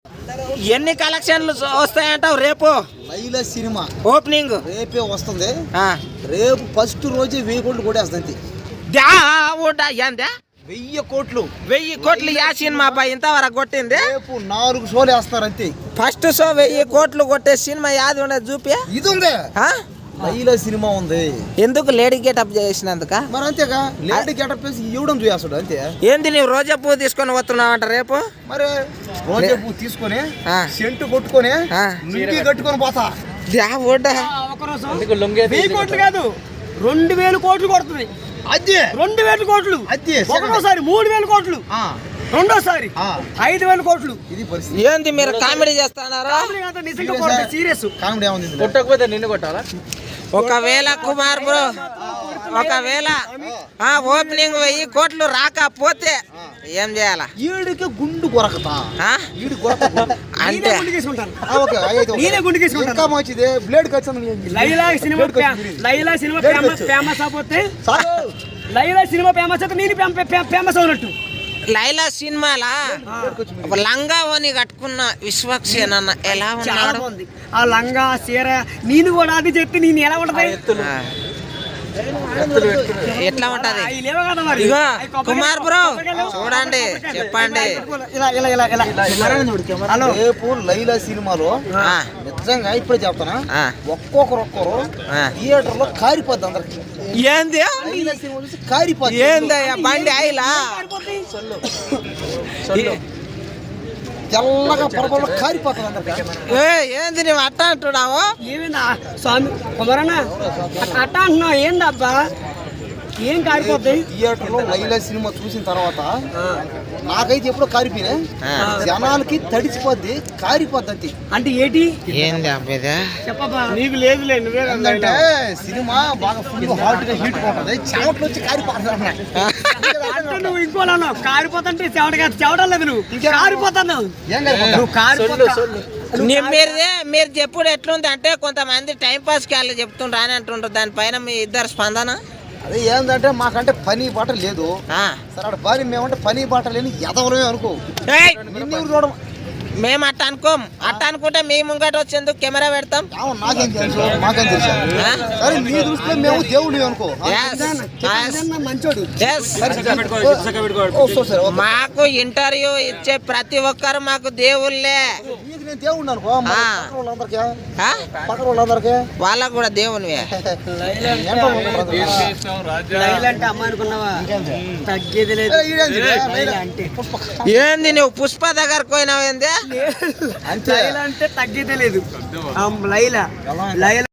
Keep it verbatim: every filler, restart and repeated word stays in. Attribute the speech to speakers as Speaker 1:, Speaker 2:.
Speaker 1: ఎన్ని కలెక్షన్లు వస్తాయంటావు రేపు?
Speaker 2: లైలా సినిమా
Speaker 1: ఓపెనింగ్
Speaker 2: రేపే వస్తుంది. రేపు ఫస్ట్ రోజే వెయ్యి కోట్లు కొట్టేస్తుంది. వెయ్యి కోట్లు
Speaker 1: వెయ్యి కోట్లు యా సినిమా అబ్బాయి ఇంతవరకు కొట్టింది?
Speaker 2: రేపు నాలుగు షోలు వేస్తారు అంతే.
Speaker 1: ఫస్ట్ షో వెయ్యి కోట్లు కొట్టే సినిమా యాది ఉండదు చూపి.
Speaker 2: ఇది ఉంది లైలా సినిమా ఉంది.
Speaker 1: ఎందుకు లేడీ గెటప్ చేసినందుక?
Speaker 2: మరి అంతేగా లేడీ గెటప్ వేసి ఇవ్వడం చూస్తాడు అంతే.
Speaker 1: ఏంది నీవు రోజా పువ్వు తీసుకొని వస్తున్నావంట రేపు?
Speaker 2: మరి రోజా పువ్వు తీసుకొని సెంటు కొట్టుకొని లుంగీ కట్టుకొని పోతా.
Speaker 3: వెయ్యి కోట్లు కాదు రెండు వేలు కోట్లు కొడుతుంది.
Speaker 2: అదే
Speaker 3: రెండు వేల కోట్లు
Speaker 2: అదే
Speaker 3: ఒకటోసారి మూడు వేల కోట్లు రెండోసారి ఐదు వేల కోట్లు.
Speaker 2: ఇది పరిస్థితి.
Speaker 1: ఏంది మీరు కామెడీ చేస్తున్నారా?
Speaker 3: సీరియస్
Speaker 2: కామెడీ ఏముంది?
Speaker 3: కొట్టకపోతే నిన్ను కొట్టాలా?
Speaker 1: ఒకవేళ కుమార్ బ్రో ఒకవేళ ఓపెనింగ్ వెయ్యి కోట్లు రాకపోతే ఏం చేయాలా?
Speaker 2: ఈడికి గుండు కొరకతా
Speaker 1: అంటే
Speaker 2: blade
Speaker 3: Laila cinema Laila cinema famous అయిపోతే లైలా సినిమా ఫేమస్ అయితే నేను ఫేమస్ అవునట్టు.
Speaker 1: లైలా సినిమాలా ఒక లంగా ఓని కట్టుకున్న విశ్వక్సేన ఎలా ఉన్నాడు?
Speaker 3: ఆ లంగా చీర నేను కూడా అది చెప్పి నేను ఎలా ఉంటది
Speaker 1: ఎట్లా ఉంటది? ఇగో కుమార్ బ్రో చూడండి చెప్పండి.
Speaker 2: రేపు లైలా సినిమాలో నిజంగా ఇప్పుడే చెప్తానా ఒక్కొక్కరు ఒక్కరు థియేటర్ లో కారిపోద్ది అందరికి.
Speaker 1: ఏంది
Speaker 2: కారిపోద్ది?
Speaker 1: ఏందయ్యా బండి ఆయిలా
Speaker 2: తెల్లగా పొరపాటు కారిపోతుంది అందరికి.
Speaker 1: ఏంది నువ్వు అట్ట అంటున్నావు?
Speaker 3: ఏమైందా స్వామి కుమారన్న అట్ట అంటున్నావు? ఏందబ్బా ఏం కారిపోతాయి?
Speaker 2: థియేటర్ లో లైలా సినిమా చూసిన తర్వాత నాకైతే ఎప్పుడో కారిపోయినా జనాలకి తడిచిపోద్ది కారిపోద్ది అంతే.
Speaker 3: అంటే ఏంటి
Speaker 1: ఏంది అబ్బాయి
Speaker 3: చెప్పబ్బా. నీకు లేదులే నువ్వే
Speaker 2: ఏంటంటే సినిమా బాగా ఫుల్ హాట్ గా హీట్ పోతుంది చెమటలు వచ్చి కారిపోతున్నాయి.
Speaker 3: నువ్వు ఇంకోలా కారిపోతుంటే చెమట కాదు చెమటం లేదు నువ్వు కారిపోతున్నావు. నువ్వు కారిపోతావు.
Speaker 1: మీరే మీరు చెప్పుడు ఎట్లుంది అంటే కొంతమంది టైం పాస్ కి వాళ్ళు చెప్తుండ్రు అని అంటుండ్రు. దానిపైన మీ ఇద్దరు స్పందన?
Speaker 2: అదే ఏంటంటే మాకంటే పని బాట లేదు సరే బాని మేమంటే పని బాట లేని ఎదవలమే అనుకో. నిన్ను చూడడం
Speaker 1: మేము అట్ట అనుకోం. అట్ట అనుకుంటే మీ ముంగట వచ్చేందుకు కెమెరా పెడతాం.
Speaker 2: నాకేం తెలుసు మాకేం తెలుసు. సరే నీ దృష్టిలో మేము దేవుడు అనుకో.
Speaker 1: మాకు ఇంటర్వ్యూ ఇచ్చే ప్రతి ఒక్కరు మాకు దేవుళ్ళే.
Speaker 2: దేవుడు అనుకో పక్కన వాళ్ళందరికీ వాళ్ళకు
Speaker 1: కూడా దేవునివే. ఏంది నువ్వు పుష్ప దగ్గరకు పోయినావు? ఏంది
Speaker 3: అంటే తగ్గేదే లేదు లైలా లైలా